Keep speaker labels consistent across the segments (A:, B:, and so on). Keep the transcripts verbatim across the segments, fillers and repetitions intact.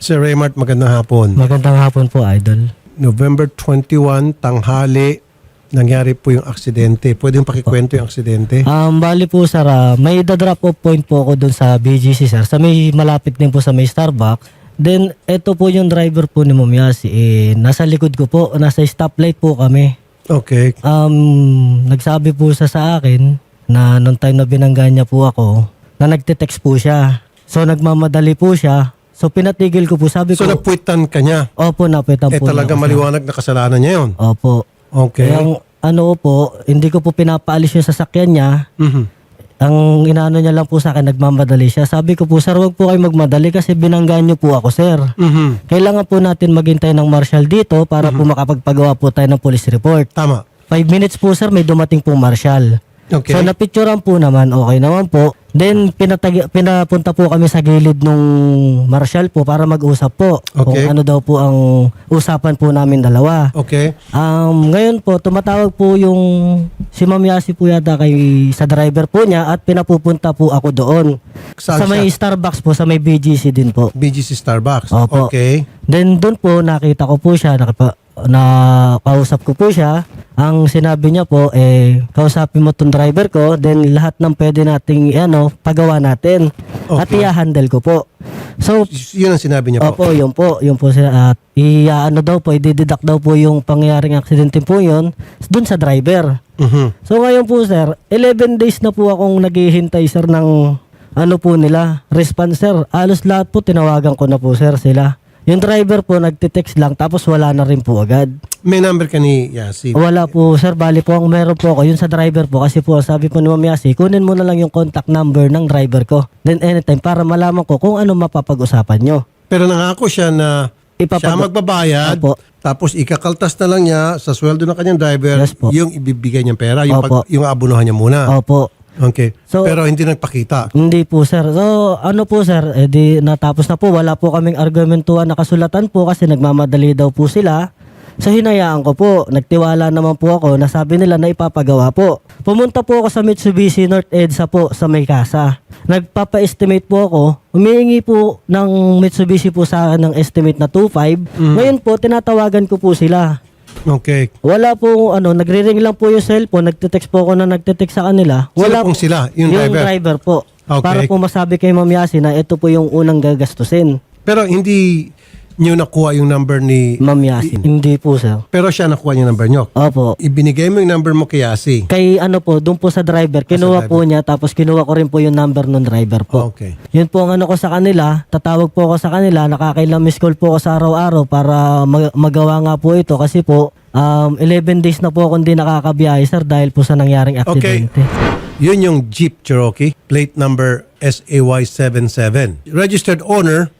A: Sir Raymart, magandang hapon.
B: Magandang hapon po, Idol.
A: November twenty-one, tanghali, nangyari po yung aksidente. Pwede yung pakikwento yung aksidente?
B: Um, bali po, sir, ah, may da-drop off point po ako dun sa B G C, sir. Sa may malapit din po sa may Starbucks. Then, ito po yung driver po ni Ma'am Yasi. Eh, nasa likod ko po, nasa stoplight po kami.
A: Okay.
B: Um, nagsabi po siya sa akin na nung time na binangga niya po ako, na nagte-text po siya. So, nagmamadali po siya. So, pinatigil ko po. Sabi
A: So,
B: ko,
A: napuwitan ka niya?
B: opo, napitan
A: Eh,
B: po.
A: talaga
B: niya ako, sir.
A: maliwanag na kasalanan niya yun?
B: Opo.
A: Okay.
B: Kaya, ang ano po, hindi ko po pinapaalis yung sasakyan niya.
A: Mhm.
B: Ang inaano niya lang po sa akin, nagmamadali siya. Sabi ko po, sir, wag po kayo magmadali kasi binanggaan niyo po ako, sir.
A: Mhm.
B: Kailangan po natin maghintay ng marshal dito para po makapagpagawa po tayo ng police report.
A: Tama.
B: Five minutes po, sir, may dumating pong marshal.
A: Okay.
B: So, napicturean po naman, okay naman po. Then, pinatag- pinapunta po kami sa gilid nung marshal po para mag-usap po. Kung
A: Okay.
B: ano daw po ang usapan po namin dalawa.
A: Okay.
B: Um, ngayon po, tumatawag po yung si Ma'am Yasi po yata kay, sa driver po niya at pinapupunta po ako doon.
A: Saan
B: sa may
A: siya?
B: Starbucks po, sa may B G C din po.
A: B G C Starbucks.
B: Opo.
A: Okay.
B: Then doon po, nakita ko po siya, nakipa, na kausap ko po siya. Ang sinabi niya po, eh, kausapin mo tong driver ko, then lahat ng pwede nating, ano, pagawa natin. At
A: Okay.
B: i-handle ko po. So,
A: Y- Yun ang sinabi niya po.
B: opo, yun po, yun po sila. At i-ano daw po, i-deduct daw po yung pangyayaring aksidente po yun dun sa driver.
A: Mhm.
B: So ngayon po, sir, eleven days na po akong naghihintay, sir, ng ano po nila, response, sir. Alos lahat po, tinawagan ko na po, sir, sila. Yung driver po, nagtitext lang, tapos wala na rin po agad.
A: May number ka ni Yasi?
B: Wala po, sir, bali po, ang meron po ako, yun sa driver po, kasi po, sabi po ni Ma'am Yasi, kunin mo na lang yung contact number ng driver ko. Then anytime, para malaman ko kung ano mapapag-usapan nyo.
A: Pero nangako siya na
B: Ipapag-
A: siya magbabayad,
B: Opo.
A: tapos ikakaltas na lang niya sa sweldo ng kanyang driver,
B: Yes po.
A: yung ibibigay niyang pera, yung,
B: Opo.
A: pag, yung abunuhan niya muna.
B: Opo.
A: Okay.
B: So-
A: Pero hindi nagpakita.
B: Hindi po, sir. So, ano po, sir, eh di natapos na po. Wala po kaming argumentuhan na kasulatan po kasi nagmamadali daw po sila. So, hinayaan ko po. Nagtiwala naman po ako na sabi nila na ipapagawa po. Pumunta po ako sa Mitsubishi North EDSA po sa may kasa. Nagpapa-estimate po ako. Humihingi po ng Mitsubishi po sa akin ng estimate na two five. Ngayon po, tinatawagan ko po sila.
A: Okay.
B: Wala po, ano, nagre-ring lang po yung cellphone. Nagte-text po ako na nagte-text sa kanila.
A: Sino
B: Wala
A: pong
B: po-
A: sila? Yung driver?
B: po.
A: Okay.
B: Para po masabi kay Ma'am Yasi na ito po yung unang gagastusin.
A: Pero hindi niyo nakuha yung number ni...
B: Ma'am Yasi. Hindi po, sir.
A: Pero siya nakuha yung number niyo.
B: Opo.
A: Ibinigay mo yung number mo kay Yasi.
B: Kay ano po, doon po sa driver. Kinuha
A: driver.
B: po niya, tapos kinuha ko rin po yung number ng driver po.
A: Okay.
B: Yun po ang ano ko sa kanila. Tatawag po ako sa kanila. Nakakailang miss call po ako sa araw-araw para mag- magawa nga po ito. Kasi po, um, eleven days na po akong hindi nakakabiyahe, sir, dahil po sa nangyaring
A: Okay.
B: aksidente.
A: Yun yung Jeep Cherokee, plate number S A Y seventy-seven. Registered owner,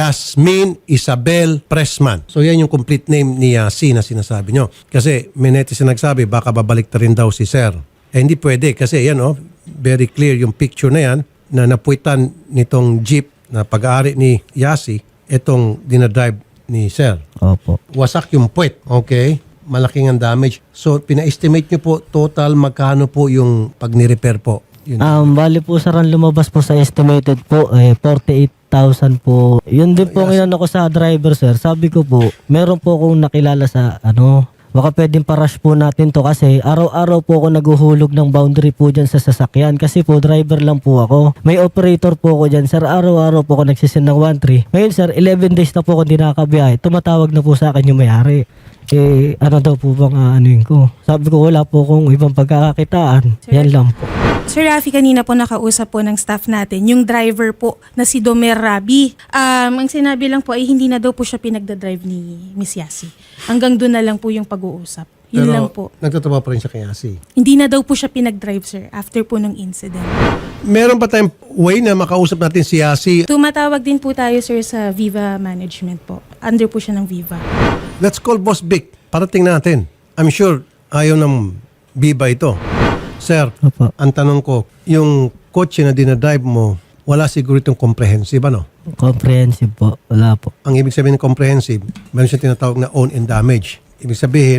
A: Yasmin Isabel Pressman. So yan yung complete name ni Yasi na sinasabi nyo. Kasi may netizen nagsabi, baka babalik na rin daw si Sir. Eh hindi pwede kasi yan oh, very clear yung picture na yan na napuitan nitong Jeep na pag-aari ni Yasi, itong dinadrive ni Sir.
B: Opo.
A: Wasak yung puwet. Okay. Malaking ang damage. So, pina-estimate nyo po total magkano po yung pag ni-repair po? Yun.
B: Um, bali po, sir, ang lumabas po sa estimated po, eh, forty-eight thousand po. Yun din po ngayon ako sa driver, sir. Sabi ko po, meron po akong nakilala sa, ano, baka pwedeng parush po natin to kasi araw-araw po ako naguhulog ng boundary po dyan sa sasakyan kasi po driver lang po ako. May operator po ako dyan, sir. Araw-araw po ako nagsisend ng one three. Ngayon, sir, eleven days na po ako hindi nakakabiyahe. Tumatawag na po sa akin yung may-ari. Eh, ano daw po bang aanuin ko? Sabi ko, wala po akong ibang pagkakakitaan. Yan lang po.
C: Sir Rafi, kanina po nakausap po ng staff natin, yung driver po na si Domer Rabi. Um, ang sinabi lang po ay hindi na daw po siya pinagdadrive ni Miss Yasi. Hanggang doon na lang po yung pag-uusap. Yun
A: Pero
C: lang po.
A: nagtatrabaho pa rin siya kay Yasi.
C: Hindi na daw po siya pinag-drive, sir, after po ng incident.
A: Meron pa tayong way na makausap natin si Yasi.
C: Tumatawag din po tayo, sir, sa Viva Management po. Under po siya ng Viva.
A: Let's call Boss Vic. Parating natin. I'm sure ayaw ng Viva ito. Sir,
B: Opo.
A: ang tanong ko, yung kotse na dinadrive mo, wala siguro itong comprehensive, ano?
B: Comprehensive po. Wala po.
A: Ang ibig sabihin ng comprehensive, meron siyang tinatawag na own and damage. Ibig sabihin,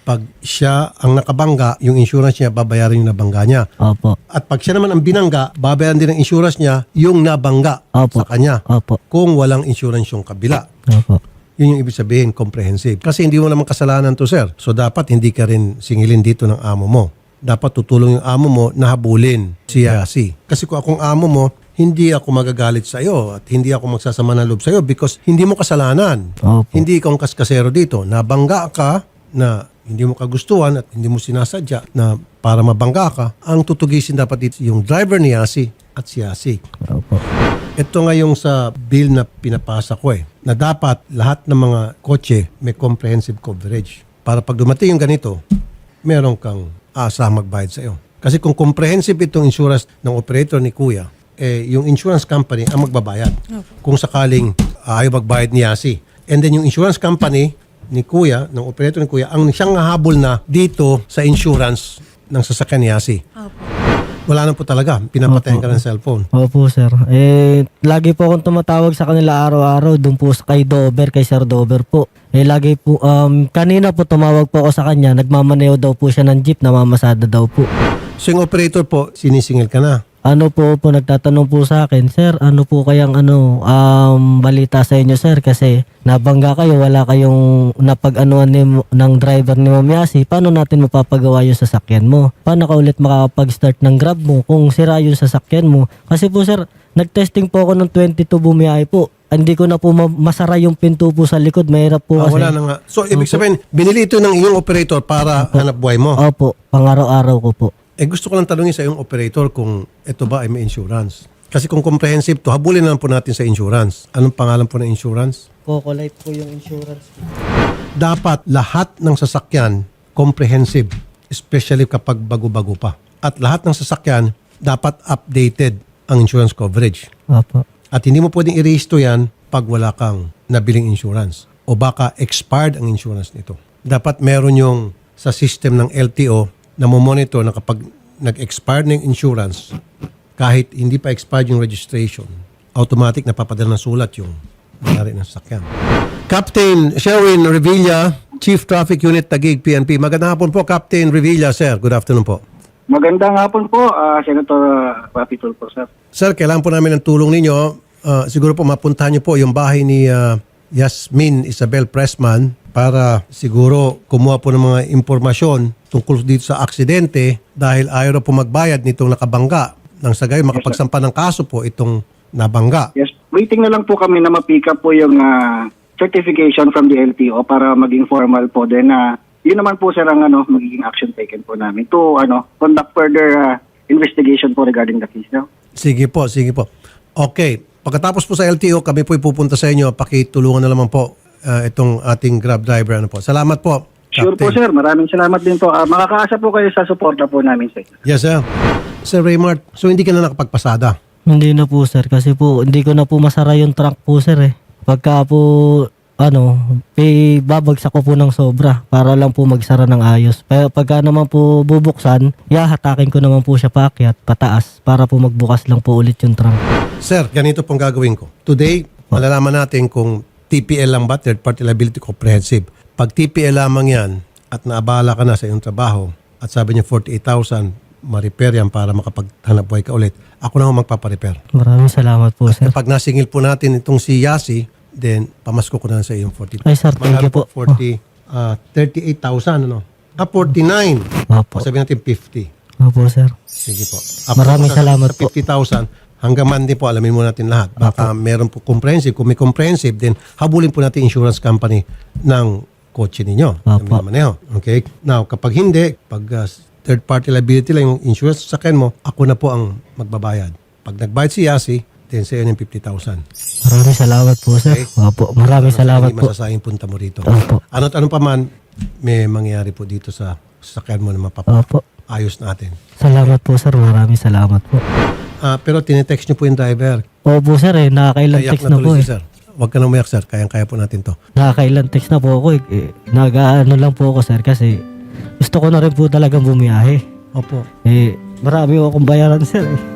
A: Pag siya ang nakabangga, yung insurance niya, babayaran yung nabangga niya.
B: Opo.
A: At pag siya naman ang binangga, babayaran din ng insurance niya yung nabangga
B: Opo.
A: sa kanya.
B: Opo.
A: Kung walang insurance yung kabila.
B: Opo.
A: Yun yung ibig sabihin, comprehensive. Kasi hindi mo naman kasalanan to, sir. So dapat hindi ka rin singilin dito ng amo mo. Dapat tutulong yung amo mo na habulin si Yasi. Kasi kung akong amo mo, hindi ako magagalit sa iyo at hindi ako magsasama ng loob sa iyo because hindi mo kasalanan.
B: Opo.
A: Hindi ikaw ang kaskasero dito. Nabangga ka na hindi mo kagustuhan at hindi mo sinasadya na para mabangga ka, ang tutugisin dapat dito yung driver ni Yasi at si Yasi.
B: Opo.
A: Ito nga yung sa bill na pinapasa ko eh, na dapat lahat ng mga kotse may comprehensive coverage. Para pag dumating yung ganito, meron kang aasahang magbayad sa iyo. Kasi kung comprehensive itong insurance ng operator ni Kuya, eh, yung insurance company ang magbabayad. Kung sakaling uh, ayaw magbayad ni Yasi. And then yung insurance company ni Kuya, ng operator ni Kuya, ang siyang hahabol na dito sa insurance ng sasakyan ni Yasi.
C: Opo.
A: Wala na po talaga. Pinapatayan ka ng cellphone.
B: Opo, sir. Eh, lagi po akong tumatawag sa kanila araw-araw doon po sa- kay Dover, kay Sir Dover po. Eh, lagi po, um, kanina po tumawag po ako sa kanya, nagmamaneo daw po siya ng jeep, namamasada daw po.
A: So yung operator po, sinisingil ka na.
B: Ano po po, nagtatanong po sa akin, sir, ano po kayang ano, um, balita sa inyo, sir, kasi nabangga kayo, wala kayong napag-anuan ni, ng driver ni Ma'am Yasi, paano natin mapapagawa yung sasakyan mo? Paano ka ulit makakapag-start ng Grab mo kung sira yung sasakyan mo? Kasi po, sir, nag-testing po ako ng twenty-two bumiyahe po. Hindi ko na po ma- masara yung pinto po sa likod, mahirap po
A: Ah,
B: kasi.
A: wala na nga. So ibig sabihin, binili ito ng iyong operator para hanap buhay mo.
B: Opo, pang-araw-araw ko po.
A: Eh gusto ko lang tanungin sa iyong operator kung ito ba ay may insurance. Kasi kung comprehensive to, habulin na lang po natin sa insurance. Anong pangalan po ng insurance?
B: Coco Life po yung insurance.
A: Dapat lahat ng sasakyan comprehensive, especially kapag bago-bago pa. At lahat ng sasakyan dapat updated ang insurance coverage.
B: Opo.
A: At hindi mo pwedeng i-rehisto yan pag wala kang nabiling insurance. O baka expired ang insurance nito. Dapat meron yung sa system ng L T O na monitor na kapag nag-expire ng insurance, kahit hindi pa expired yung registration, automatic napapadala ng sulat yung nangyari ng sasakyan. Captain Sherwin Revilla, Chief Traffic Unit Taguig P N P. Magandang hapon po, Captain Revilla, sir. Good afternoon po.
D: Magandang hapon po, ah, Senator uh, Rapi Tulfo, sir.
A: Sir, kailangan po namin ng tulong ninyo. Ah, siguro po mapuntahan niyo po yung bahay ni ah, Yasmin Isabel Pressman para siguro kumuha po ng mga impormasyon tungkol dito sa aksidente dahil ayaw na po magbayad nitong nakabangga. Nang sa gayon, makapagsampa ng kaso po itong nabangga.
D: Yes, waiting na lang po kami na ma-pick up po yung ah, certification from the L T O para maging formal po. Then, ah, yun naman po, sir, ang ano, magiging action taken po namin to ano, conduct further ah, investigation po regarding the case. No?
A: Sige po, sige po. Okay. Pagkatapos po sa L T O, kami po ipupunta sa inyo. Pakitulungan na naman po ah, itong ating Grab driver. Ano po. Salamat po,
D: Sure po,
A: Captain.
D: sir. Maraming salamat din po. Ah, makakaasa po kayo sa suporta po namin, sir.
A: Yes, sir. Sir Raymart, so hindi ka na nakapagpasada?
B: Hindi na po, sir, kasi po hindi ko na po masara yung trunk po, sir, eh. Pagka po ano, eh, babagsak ko po ng sobra para lang po magsara ng ayos. Pero pagka naman po bubuksan, yahatakin ko naman po siya paakyat, pataas, para po magbukas lang po ulit yung trunk.
A: Sir, ganito pong gagawin ko. Today, malalaman natin kung T P L lang ba, Third Party Liability Comprehensive. Pag T P L lamang yan at naabala ka na sa iyong trabaho at sabi niya forty-eight thousand, ma-repair yan para makapaghanap buhay ka ulit, ako na ho magpaparepair.
B: Maraming salamat po, sir.
A: Pag nasingil po natin itong si Yasi, then pamasko ko na lang sa iyong forty.
B: Ay, sir, thank you po.
A: forty, ah, thirty-eight thousand, ano? Ah, forty-nine.
B: Opo.
A: O sabihin natin fifty.
B: Opo, sir.
A: Sige po.
B: Maraming
A: Sa-
B: salamat
A: sa
B: po.
A: fifty thousand, hanggang Monday po, alamin mo natin lahat. Baka meron po comprehensive. Kung may comprehensive, then habulin po natin insurance company ng kotse ninyo.
B: Opo.
A: Ng minamaneho. Okay? Now, kapag hindi, pag uh, third party liability lang yung insurance sa akin mo, ako na po ang magbabayad. Pag nagbayad si Yasi, then sa iyo yung fifty thousand.
B: Maraming salamat po, sir.
A: Okay.
B: Opo, maraming salamat
A: Hindi
B: po.
A: masasayang punta mo rito.
B: Opo.
A: Ano't ano pa man, may mangyayari po dito sa sasakyan mo na
B: Opo.
A: mapapayos natin.
B: Salamat po, sir. Maraming salamat po.
A: Ah, pero tinetext niyo po yung driver.
B: Opo, sir, eh. Nakakailang
A: Kayak
B: text
A: na
B: na po,
A: tuloy
B: eh.
A: si sir. Huwag ka nang umiyak, sir. Kayang-kaya po natin to.
B: Nakakailang text na po ako, eh. eh nag-ano lang po ako, sir, kasi gusto ko na rin po talagang bumiyahe.
A: Opo.
B: Eh, marami ko akong bayaran, sir, eh.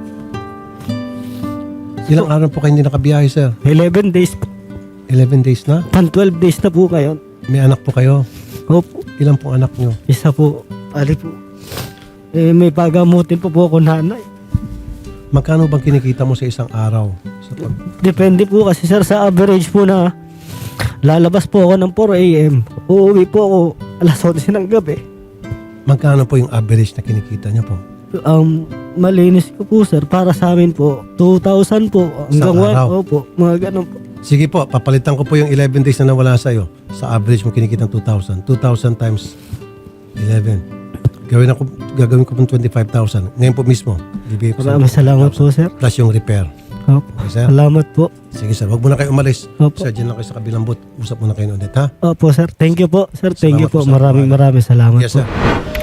A: Ilang araw po kayo hindi nakabiyahe, sir?
B: eleven days po.
A: eleven days na?
B: Pan twelve days na po ngayon.
A: May anak po kayo?
B: Opo.
A: Ilan po anak nyo?
B: Isa po, ali po. Eh, may pagamutin po po ako nanay.
A: Magkano bang kinikita mo sa isang araw? Sa pag...
B: Depende po kasi sir sa average po na lalabas po ako ng four a.m. Uuwi po ako alas eleven ng gabi.
A: Magkano po yung average na kinikita niyo po?
B: Um, malinis ko po sir, para sa amin po, two thousand po. Hanggang
A: Sa
B: one,
A: araw?
B: opo, mga ganun po.
A: Sige po, papalitan ko po yung eleven days na nawala sa'yo. Sa average mo kinikita two thousand. two thousand times eleven. Gawin ako, gagawin ko pong twenty-five thousand. Ngayon po mismo. Bibigay ko sa
B: Maraming salamat po sir.
A: plus yung repair.
B: Opo.
A: Okay, sir?
B: Salamat po.
A: Sige sir, huwag muna kayo umalis.
B: Opo.
A: Sir, dyan lang kayo sa kabilang booth. Usap muna kayo ulit, ha?
B: Opo sir, thank you po. Sir, thank you
A: Salamat po,
B: po.
A: sir.
B: Maraming maraming salamat
A: Yes,
B: po.
A: sir.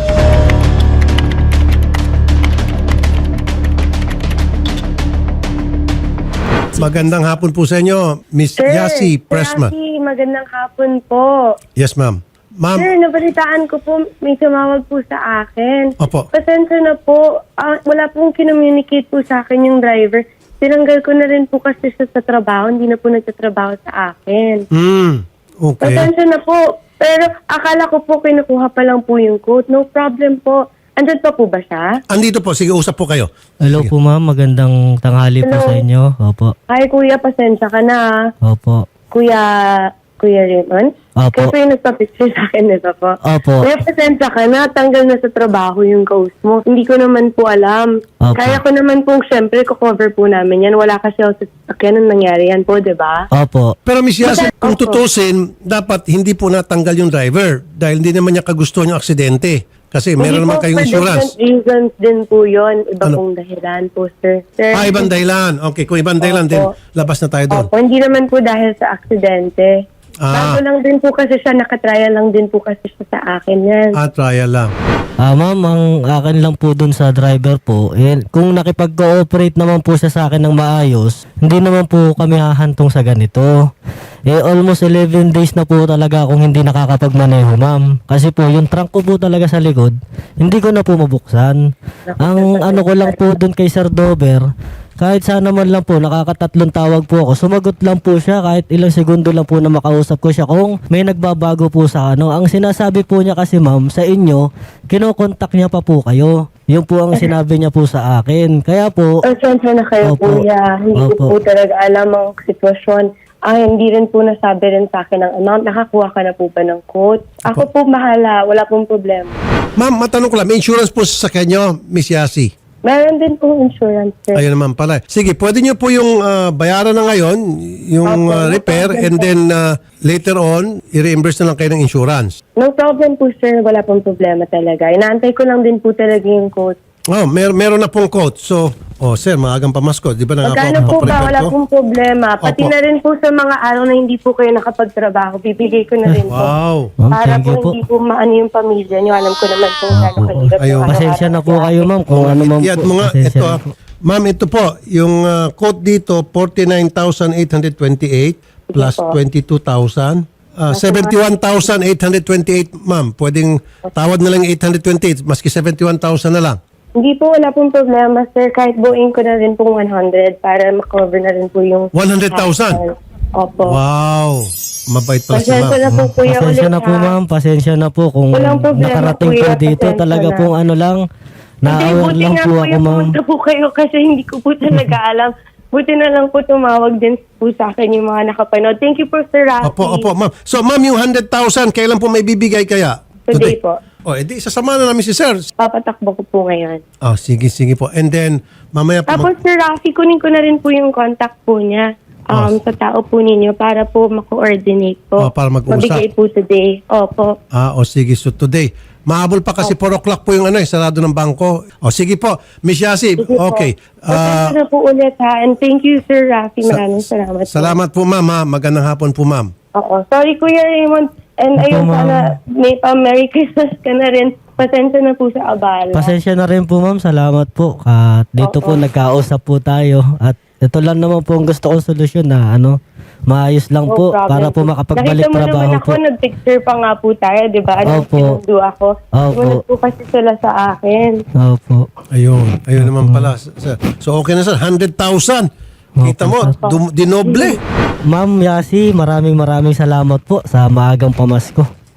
A: Magandang hapon po sa inyo, Miss
E: Sir,
A: Yasi Pressman.
E: Sir Yasi, magandang hapon po.
A: Yes, ma'am. Ma'am,
E: Sir, nabalitaan ko po, may tumawag po sa akin.
A: Opo.
E: Pasensya na po, ah, wala pong kinommunicate po sa akin yung driver. Tinanggal ko na rin po kasi siya sa trabaho, hindi na po nagtatrabaho sa akin.
A: mm, okay.
E: Pasensya na po, pero akala ko po kinukuha pa lang po yung quote. No problem po. Andyan pa po ba siya?
A: Andito po, sige, usap po kayo.
B: Hello po ma'am, magandang tanghali po
E: Hello.
B: sa inyo. Opo.
E: Hi kuya, pasensya ka na. ah.
B: Opo.
E: Kuya, Kuya Raymond?
B: Opo.
E: Kaya po yung nagpa-picture sa akin nito po.
B: Opo.
E: Kuya, pasensya ka na. Tanggal na sa trabaho yung ghost mo. Hindi ko naman po alam.
B: Opo.
E: Kaya ko naman po, syempre, ko-cover po namin yan. Wala kasi ako sa sasakyan nung nangyari yan po, di ba?
B: Opo.
A: Pero Miss Yasi,
E: Opo.
A: kung tutusin, dapat hindi po natanggal yung driver dahil hindi naman niya kagustuhan yung aksidente. Kasi meron
E: Hindi
A: naman
E: po,
A: kayong
E: for
A: insurance.
E: different reasons din po yun. Iba
A: Ano?
E: pong dahilan po, sir. sir
A: Ah, ibang dahilan. Okay, kung ibang dahilan,
E: Opo.
A: din labas na tayo doon.
E: Opo, hindi naman po dahil sa aksidente.
A: Ah.
E: Bago lang din po kasi siya, nakatrial lang din po kasi siya sa akin yan.
A: Ah, trial lang.
B: Ah, ma'am, ang akin lang po dun sa driver po, eh, kung nakipag-cooperate naman po siya sa akin ng maayos, hindi naman po kami hahantong sa ganito. Eh, almost eleven days na po talaga akong hindi nakakapagmaneho, ma'am. Kasi po, yung trunk ko po talaga sa likod, hindi ko na po mabuksan. Ang ano ko lang po dun kay Sir Dover, kahit sana man lang po, nakakatatlong tawag po ako. Sumagot lang po siya kahit ilang segundo lang po na makausap ko siya kung may nagbabago po sa ano. Ang sinasabi po niya kasi ma'am, sa inyo, kinokontak niya pa po kayo. Yun po ang sinabi niya po sa akin. Kaya po,
E: Pasensya na kayo,
B: Opo.
E: kuya. Hindi ko
B: Opo.
E: po talaga alam ang sitwasyon. Ah, hindi rin po nasabi rin sa akin ang amount. Nakakuha ka na po ba ng quote? Ako po mahala. Wala pong problema.
A: Ma'am, matanong ko lang, may insurance po sa kanyo, Miss Yasi?
E: Meron din pong insurance, sir.
A: Ayun naman pala. Sige, pwede niyo po yung ah, bayaran na ngayon, yung
E: Opo,
A: ah,
E: no
A: repair,
E: problem
A: and
E: po.
A: then ah, later on, i-reimburse na lang kayo ng insurance.
E: No problem po, sir. Wala pong problema talaga. Inaantay ko lang din po talaga yung quote.
A: Oh, mer meron na pong quote. So, oh sir, maagang pamasko. Di ba nangako
E: Magkano
A: ako
E: po ba?
A: paparepair
E: Wala
A: ko?
E: pong problema. Pati
A: Opo.
E: na rin po sa mga araw na hindi po kayo nakapagtrabaho, bibigay ko na rin po.
A: Wow.
B: ma'am,
E: Para
B: thank
E: po
B: you po.
E: hindi po maano yung pamilya niyo. Alam ko naman po gano'ng kahirap
A: Ayun.
E: yung
B: Pasensya na po
E: araw-araw
B: kayo, ma'am, kung ano ma'am
A: Iyan
B: po.
A: mo nga,
B: Pasensya
A: ito
B: na
A: ah.
B: po.
A: Ma'am, ito po, yung ah, quote dito, forty-nine thousand eight hundred twenty-eight plus
E: po.
A: twenty-two thousand. Ah, seventy-one thousand eight hundred twenty-eight, ma'am. Pwedeng tawad na lang yung eight hundred twenty-eight, maski seventy-one thousand na lang.
E: Hindi po, wala pong problema, sir. Kahit buuin ko na rin pong one hundred para makover na rin po yung...
A: one hundred thousand?
E: Opo.
A: Wow. Mabait pala si
E: Pasensya na
A: ma'am.
E: po, kuya,
B: Pasensya
E: ulit,
B: na po
E: ha?
B: ma'am, pasensya na po kung
E: Walang problema,
B: nakarating po
E: kuya,
B: dito.
E: pasensya
B: Talaga
E: na.
B: pong ano lang,
E: Hindi,
B: na-aware
E: buti
B: lang
E: nga
B: po
E: po
B: ako
E: yung
B: ma'am.
E: punta po kayo kasi hindi ko po talaga alam. Buti na lang po tumawag din po sa akin yung mga nakapanood. Thank you po, Sir Rafi.
A: Opo, opo, ma'am. So, ma'am, yung one hundred thousand, kailan po may bibigay kaya?
E: Today po.
A: O, edi, sasama na namin si sir.
E: Papatakbo ko po ngayon.
A: Oh, sige, sige po. And then, mamaya po.
E: Tapos, Sir Rafi, kunin ko na rin po yung contact po niya um, sa tao po ninyo para po ma-coordinate po.
A: Oh, para mag-usap.
E: Mabigay po today. Opo.
A: Ah, o sige. So, today. Mahabol pa kasi four o'clock po yung ano, eh, sarado ng bangko. O, sige po. Miss Yasi,
E: Sige po.
A: okay. Ah,
E: Pasensya na po ulit, ha. And thank you, Sir Rafi. Maraming salamat. po.
A: salamat po, ma'am. Ha? Magandang hapon po, ma'am.
E: Oo. Sorry, Kuya Raymond. And
B: Opo,
E: ayun,
B: ma'am.
E: sana may pa Merry Christmas ka na rin. Pasensya na po sa abala.
B: Pasensya na rin po ma'am, salamat po. At dito po nagkausap po tayo. At ito lang naman po ang gusto kong solusyon na ano, maayos lang
E: No
B: po
E: problem.
B: para po makapagbalik
E: Nakita mo
B: trabaho
E: naman ako,
B: po.
E: nag-picture pa nga po tayo, di ba? Anong
B: Opo.
E: sinundo ako?
B: Opo.
E: Sumunod po kasi sila sa akin.
B: Opo.
A: Ayun. Ayun naman pala. Sir. So, okay na sir. one hundred thousand. Kita mo, dum- dinoble.
B: Ma'am Yasi, maraming maraming salamat po sa maagang pamasko.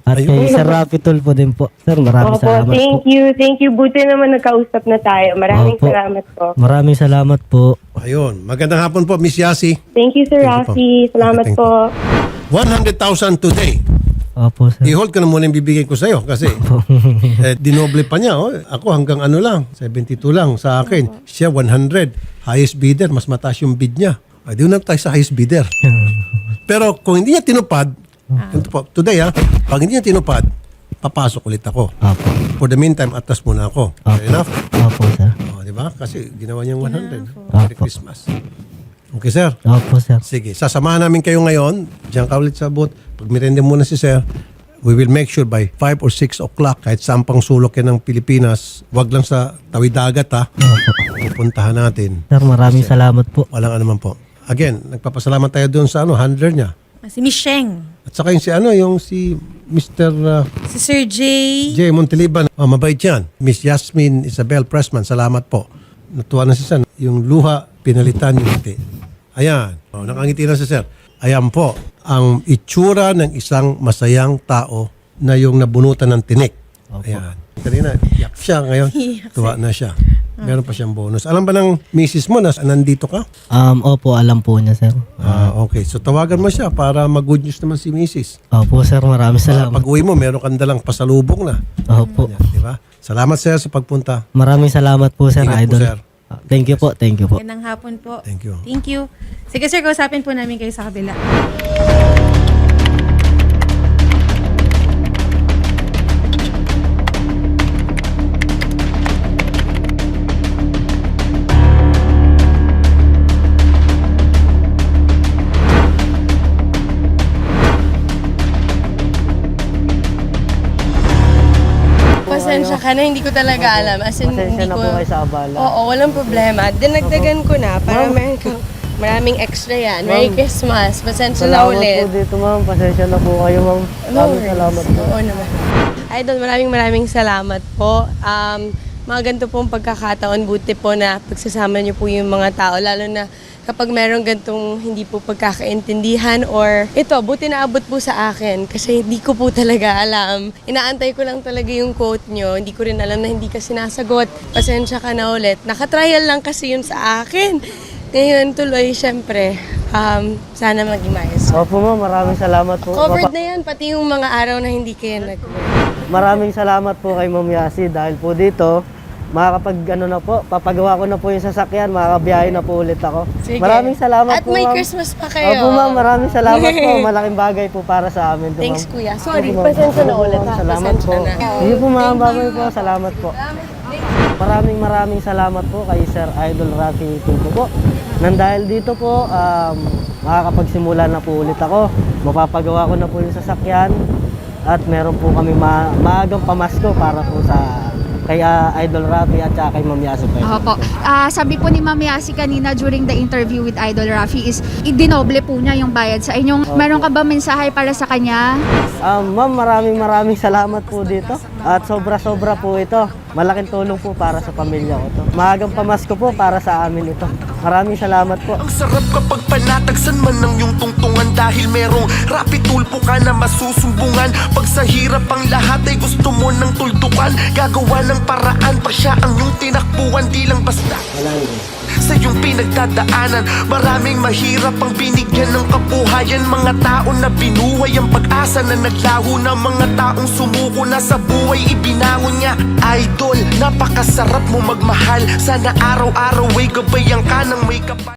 B: At
A: Ayun.
B: kay Sir Rafi Tulfo din po. Sir, maraming
E: Opo,
B: salamat
E: thank
B: po.
E: you. Thank you. Buti naman nagkausap na tayo. Maraming
B: Opo.
E: salamat po.
B: Maraming salamat po.
A: Ayun. Magandang hapon po, Miss Yasi.
E: Thank you, Sir
A: Thank you po.
E: Rafi. Salamat
A: Okay, thank
E: po.
A: one hundred thousand today.
B: Opo, sir.
A: I-hold ko na muna yung bibigay ko sa'yo kasi eh, dinoble pa niya. Oh. Ako hanggang ano lang, seventy-two lang sa akin. Siya one hundred. Highest bidder, mas mataas yung bid niya. Ay, di na tayo sa highest bidder. Pero kung hindi niya tinupad, ito po, today ha, pag hindi niya tinupad, papasok ulit ako.
B: Opo.
A: For the meantime, atas muna ako. Fair
B: Opo.
A: enough?
B: Opo, sir.
A: Oh, di ba? Kasi ginawa niyang one hundred. Merry
B: Opo.
A: Christmas. Okay, sir.
B: Opo, sir.
A: Sige, sasamahan namin kayo ngayon. Diyan ka ulit sa booth. Pag mirende muna si sir, we will make sure by five or six o'clock, kahit saan pang sulok yan ng Pilipinas, wag lang sa tawid dagat ha, pupuntahan natin.
B: Sir, maraming salamat po.
A: Walang anuman po. Again, nagpapasalamat tayo doon sa ano, handler niya.
C: Si Miss Sheng.
A: At saka yung si ano, yung si Mister uh,
C: Si Sir J.
A: J. Montiliban. Oh, mabait yan. Miss Yasmin Isabel Pressman, salamat po. Natuwa na si Sir. Yung luha, pinalitan yung ngiti. Ayan. Oh, nakangiti na si Sir. Ayan po, ang itsura ng isang masayang tao na yung nabunutan ng tinik. Ayan. Kanina, iyak siya. Ngayon, tuwa na siya. Meron pa siyang bonus. Alam ba ng misis mo na nandito ka?
B: Um, opo, alam po niya, sir.
A: Ah, okay. So tawagan mo siya para mag-good news naman si misis.
B: Opo, sir, maraming
A: Para
B: salamat.
A: pag uwi mo, meron kang dalang pasalubong na.
B: Opo.
A: Yan, di ba? Salamat sir sa pagpunta.
B: Maraming salamat po, sir,
A: Ingat po,
B: idol.
A: sir.
B: Ah, Thank you po, thank you po.
C: Magandang hapon po.
A: Thank you.
C: Thank you. Sige sir, kausapin po namin kayo sa kabila.
F: Pasensya ka na, hindi ko talaga alam. As in,
B: Pasensya
F: hindi
B: na
F: ko...
B: po kayo sa abala.
F: Oo, walang problema. Dinagdagan ko na para meron kang maraming extra yan. Merry Christmas. Pasensya na
B: Salamat
F: ulit.
B: po dito, ma'am. Pasensya na po kayo, ma'am.
F: No
B: Maraming
F: worries.
B: salamat po.
F: Oo naman. Idol, maraming maraming salamat po. Um, mga ganito pong pagkakataon, buti po na pagsasama niyo po yung mga tao, lalo na kapag merong gantong hindi po pagkakaintindihan or ito, buti na abot po sa akin kasi hindi ko po talaga alam. Inaantay ko lang talaga yung quote nyo. Hindi ko rin alam na hindi ka sinasagot. Pasensya ka na ulit. Nakatrial lang kasi yun sa akin. Ngayon tuloy, syempre, um, sana maging maayos.
B: Opo, ma'am. Maraming salamat po.
F: Covered
B: Mapa-
F: na yan, pati yung mga araw na hindi kayo nag-work.
B: Maraming salamat po kay Ma'am Yasi dahil po dito, makakapag ano na po, papagawa ko na po yung sasakyan, makakabiyahe na po ulit ako.
F: Sige.
B: Maraming salamat
F: At
B: po,
F: may
B: ma'am.
F: Christmas pa kayo.
B: Opo, ma'am. Maraming salamat po. Malaking bagay po para sa amin. to,
F: Thanks,
B: ma'am.
F: kuya. Sorry,
B: Opo, ma'am.
F: pasensya na
B: Opo,
F: ulit,
B: ma'am.
F: ha?
B: Salamat
F: Pasensya
B: po.
F: na.
B: Sige po, ma'am. Babay po. Salamat po. Maraming maraming salamat po kay Sir Idol Rafi Tulfo po. Nang dahil dito po, um, makakapagsimula na po ulit ako. Mapapagawa ko na po yung sasakyan. At meron po kami ma maagang pamasko para po sa kay ah, Idol Rafi at saka kay Ma'am Yasi po.
G: Opo. Ah, sabi po ni Ma'am Yasi kanina during the interview with Idol Rafi is idinoble po niya yung bayad sa inyong. Meron ka ba mensahe para sa kanya?
B: Um, ma'am, maraming maraming salamat po dito. At sobra-sobra po ito. Malaking tulong po para sa pamilya ko to. Maagang pamasko po para sa amin ito. Maraming salamat po.
H: Ang sarap kapag panatagsan man ng iyong tungtungan dahil merong rapid tulpo ka na masusumbungan. Pag sa hirap ang lahat ay gusto mo ng tuldukan, gagawa ng paraan pa siya ang iyong tinakbuhan, di lang basta sa iyong pinagdadaanan. Maraming mahirap ang binigyan ng kabuhayan, mga tao na binuhay ang pag-asa na naglaho na mga taong sumuko na sa buhay ibinangon niya. Idol, napakasarap mo magmahal, sana araw-araw ay gabayan ka ng may kapal.